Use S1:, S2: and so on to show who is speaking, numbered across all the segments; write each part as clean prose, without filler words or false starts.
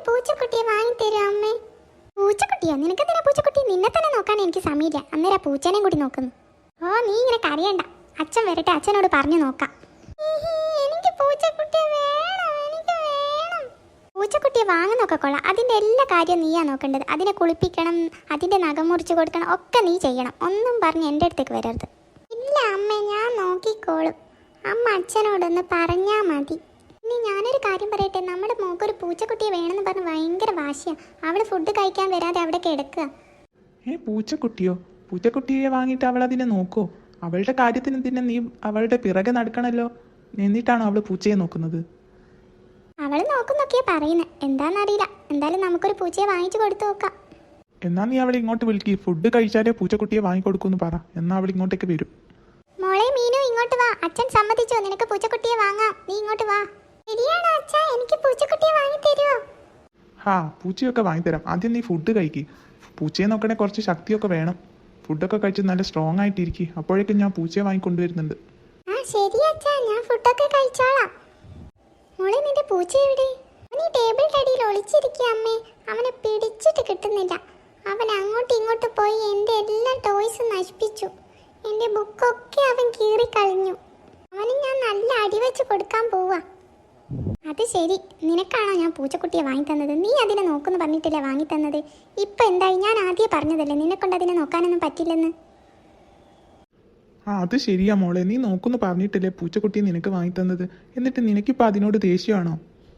S1: പൂച്ചക്കുട്ടിയെ വാങ്ങിത്തരോ അമ്മേ? പൂച്ചക്കുട്ടിയോ? നിനക്കെന്തിനാ പൂച്ചക്കുട്ടി? നിന്നെ തന്നെ നോക്കാൻ എനിക്ക് സമയമില്ല. അന്നേരം പൂച്ചേനെയും കൂടി നോക്കുന്നു. ഓ നീ ഇങ്ങനെ കരയണ്ട, അച്ഛൻ വരട്ടെ, അച്ഛനോട് പറഞ്ഞു നോക്കാം. എനിക്ക് പൂച്ചക്കുട്ടിയെ വേണം, എനിക്ക് വേണം. പൂച്ചക്കുട്ടിയെ വാങ്ങുന്നൊക്കെ കൊള്ളാം, അതിൻ്റെ എല്ലാ കാര്യവും നീയാ നോക്കേണ്ടത്. അതിനെ കുളിപ്പിക്കണം, അതിൻ്റെ നഖം മുറിച്ച് കൊടുക്കണം, ഒക്കെ നീ ചെയ്യണം. ഒന്നും പറഞ്ഞ് എൻ്റെ അടുത്തേക്ക് വരരുത്. ഇല്ല അമ്മേ, ഞാൻ നോക്കിക്കോളും. അമ്മ അച്ഛനോടൊന്ന് പറഞ്ഞാൽ മതി. ഇനി ഞാനൊരു കാര്യം പറയട്ടെ, നമ്മുടെ മോക്കൊരു പൂച്ചക്കുട്ടിയെ വേണമെന്ന് പറഞ്ഞ് ഭയങ്കര വാശിയാണ്. അവള് ഫുഡ് കഴിക്കാൻ വരാതെ അവിടെ കിടക്കുക.
S2: പൂച്ചക്കുട്ടിയോ? പൂച്ചക്കുട്ടിയെ വാങ്ങിയിട്ട് അവൾ അതിനെ നോക്കോ? അവളുടെ കാര്യത്തിന് തന്നെ നീ അവളുടെ പിറകെ നടക്കണല്ലോ. എന്നിട്ടാണോ അവള് പൂച്ചയെ നോക്കുന്നത്?
S1: അവള് നോക്കുന്നൊക്കെയാ പറയുന്നത്, എന്താണെന്നറിയില്ല. എന്തായാലും നമുക്കൊരു പൂച്ചയെ വാങ്ങിച്ചു കൊടുത്തു നോക്കാം.
S2: എന്നാ നീ അവളെ ഇങ്ങോട്ട് വിളിക്ക്. ഫുഡ് കഴിച്ചാലേ പൂച്ചക്കുട്ടിയെ വാങ്ങിക്കൊടുക്കൂന്ന് പറ. എന്നാ അവൾ ഇങ്ങോട്ടേക്ക് വരും.
S1: മോളെ മീനു, ഇങ്ങോട്ട് വാ. അച്ഛൻ സമ്മതിച്ചോ, നിനക്ക് പൂച്ചക്കുട്ടിയെ വാങ്ങാം. നീ ഇങ്ങോട്ട് വാ. ശരിയാണോ അച്ഛാ? എനിക്ക് പൂച്ചക്കുട്ടിയെ വാങ്ങി തരുമോ?
S2: പൂച്ചയൊക്കെ വാങ്ങിത്തരാം. ആദ്യം നീ ഫുഡ് കഴിക്ക്. പൂച്ചയെ നോക്കണേ കുറച്ച് ശക്തിയൊക്കെ വേണം. ഫുഡൊക്കെ കഴിച്ച് നല്ല സ്ട്രോങ് ആയിട്ടിരിക്കും. അപ്പോഴേക്കും ഞാൻ പൂച്ചയെ വാങ്ങിക്കൊണ്ടുവരുന്നുണ്ട്.
S1: ശരി അച്ഛാ, ഞാൻ ഫുഡൊക്കെ കഴിച്ചോളാം. മോളെ നിന്റെ പൂച്ച എവിടെ? അവൻ ഈ ടേബിളിന്റെ അടിയിൽ ഒളിച്ചിരിക്കുക അമ്മേ. അവനെ പിടിച്ചിട്ട് കിട്ടുന്നില്ല. അവൻ അങ്ങോട്ടും ഇങ്ങോട്ടും പോയി എൻ്റെ എല്ലാ ടോയ്സും നശിപ്പിച്ചു. എൻ്റെ ബുക്കൊക്കെ അവൻ കീറിക്കളഞ്ഞു. അവന് ഞാൻ നല്ല അടിവെച്ച് കൊടുക്കാൻ പോവാ. അത് ശരി, നിനക്കാണോ ഞാൻ പൂച്ചക്കുട്ടിയെ വാങ്ങിത്തന്നത്? നീ അതിനെ നോക്കുന്നു പറഞ്ഞിട്ടില്ല വാങ്ങിത്തന്നത്. ഇപ്പം എന്തായി? ഞാൻ ആദ്യം പറഞ്ഞതല്ലേ നിന്നെക്കൊണ്ട് അതിനെ നോക്കാനൊന്നും പറ്റില്ലെന്ന്.
S2: അത് ശരിയാ മോളെ, നീ നോക്കുന്നു പറഞ്ഞിട്ടില്ലേ പൂച്ചക്കുട്ടിയെ നിനക്ക് വാങ്ങിത്തന്നത്. എന്നിട്ട് നിനക്കിപ്പോൾ അതിനോട് ദേഷ്യമാണോ?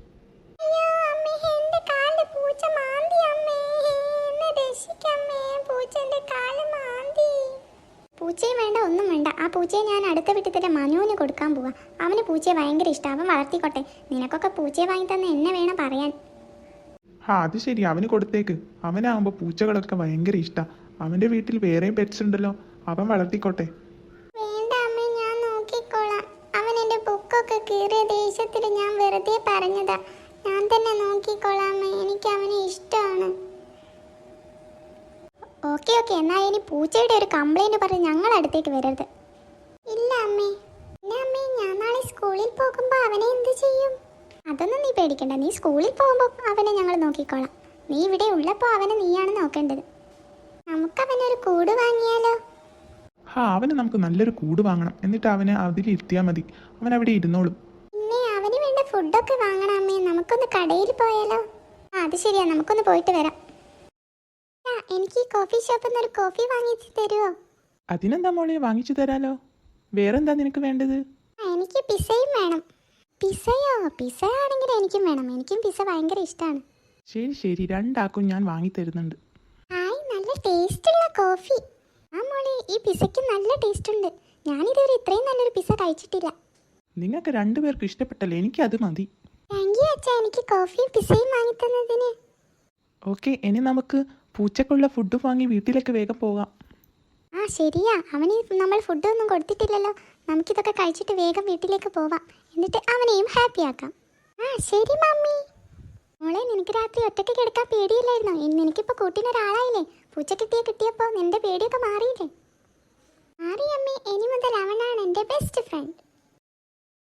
S1: പൂച്ചയും വേണ്ട, ഒന്നും വേണ്ട. ആ പൂച്ചയെ ഞാൻ അടുത്ത വീട്ടിൽ തന്നെ മനുവിന് കൊടുക്കാൻ പോവാ. അവന് പൂച്ചയെ ഭയങ്കര ഇഷ്ടം, അവൻ വളർത്തിക്കോട്ടെ. നിനക്കൊക്കെ പൂച്ചയെ വാങ്ങി തന്നെ എന്നെ വേണം പറയാൻ.
S2: അത് ശരി, അവന് കൊടുത്തേക്ക്. അവനാകുമ്പോൾ പൂച്ചകളൊക്കെ ഭയങ്കര ഇഷ്ടം. അവൻ്റെ വീട്ടിൽ വേറെയും പെറ്റ്സ് ഉണ്ടല്ലോ, അവൻ വളർത്തിക്കോട്ടെ.
S1: വേണ്ട അമ്മ, ഞാൻ നോക്കിക്കോളാം. അവൻ എൻ്റെ ബുക്കൊക്കെ കീറിയ ദേഷ്യത്തിൽ ഞാൻ വെറുതെ പറഞ്ഞതാ. ഞാൻ തന്നെ നോക്കിക്കോളാം അമ്മ, എനിക്ക് അവനെ ഇഷ്ടമാണ്. ഓക്കെ ഓക്കെ, എന്നാൽ ഇനി പൂച്ചയുടെ ഒരു കംപ്ലൈൻറ്റ് പറഞ്ഞ് ഞങ്ങളുടെ അടുത്തേക്ക് വരരുത്. ഇല്ല അമ്മേ. പിന്നെ അമ്മേ, ഞാൻ നാളെ സ്കൂളിൽ പോകുമ്പോൾ അവനെ എന്ത് ചെയ്യും? അതൊന്നും നീ പേടിക്കണ്ട. നീ സ്കൂളിൽ പോകുമ്പോൾ അവനെ ഞങ്ങൾ നോക്കിക്കോളാം. നീ ഇവിടെ ഉള്ളപ്പോൾ അവനെ നീയാണ് നോക്കേണ്ടത്. നമുക്കവനൊരു കൂട് വാങ്ങിയാലോ?
S2: അവന് നമുക്ക് നല്ലൊരു കൂട് വാങ്ങണം. എന്നിട്ട് അവനെ അതിലിരുത്തിയാൽ മതി. അവൻ അവിടെ ഇരുന്നോളും.
S1: പിന്നെ അവന് വേണ്ട ഫുഡൊക്കെ വാങ്ങണം അമ്മേ. നമുക്കൊന്ന് കടയിൽ പോയാലോ? അത് ശരിയാ, നമുക്കൊന്ന് പോയിട്ട് വരാം. എനിക്ക് ഈ കോഫി ഷോപ്പിൽ നിന്ന് ഒരു കോഫി വാങ്ങിച്ച് തരുമോ?
S2: അതിനെന്താ മോളെ, വാങ്ങിച്ചു തരാലോ. വേറെന്താ നിനക്ക് വേണ്ടത്?
S1: എനിക്ക് പിസയും വേണം. പിസയോ? പിസ ആണെങ്കിൽ എനിക്കും വേണം. എനിക്കും പിസ ഭയങ്കര ഇഷ്ടമാണ്.
S2: ശരി, രണ്ടാക്കും ഞാൻ വാങ്ങി തരുന്നുണ്ട്.
S1: നല്ല ടേസ്റ്റുള്ള കോഫി. മോളെ, ഈ പിസയ്ക്ക് നല്ല ടേസ്റ്റ് ഉണ്ട്. ഞാനിതുവരെ ഇത്രയും നല്ലൊരു പിസ കഴിച്ചിട്ടില്ല.
S2: നിങ്ങൾക്ക് രണ്ടുപേർക്ക് ഇഷ്ടപ്പെട്ടല്ലേ, എനിക്കത് മതി.
S1: താങ്ക് യു അച്ഛാ, എനിക്ക് കോഫിയും പിസയും വാങ്ങി തന്നതിന്.
S2: ഓക്കെ, ഇനി നമുക്ക് പൂച്ചക്കുള്ള ഫുഡ് വാങ്ങി വീട്ടിലേക്ക് വേഗം പോകാം.
S1: ശരിയാ, അവന് നമ്മൾ ഫുഡൊന്നും കൊടുത്തിട്ടില്ലല്ലോ. നമുക്കിതൊക്കെ കഴിച്ചിട്ട് വേഗം വീട്ടിലേക്ക് പോവാം. എന്നിട്ട് അവനെയും ഹാപ്പി ആക്കാം. ശരി മമ്മി. മോളെ, നിനക്ക് രാത്രി ഒറ്റയ്ക്ക് കിടക്കാൻ പേടിയില്ലായിരുന്നോ? നിനക്കിപ്പോൾ കൂട്ടിനൊരാളായില്ലേ? പൂച്ചക്കുട്ടിയെ കിട്ടിയപ്പോൾ നിന്റെ പേടിയൊക്കെ മാറിയില്ലേ? മാറി അമ്മേ. ഇനി മുതൽ അവനാണ് എൻ്റെ ബെസ്റ്റ് ഫ്രണ്ട്.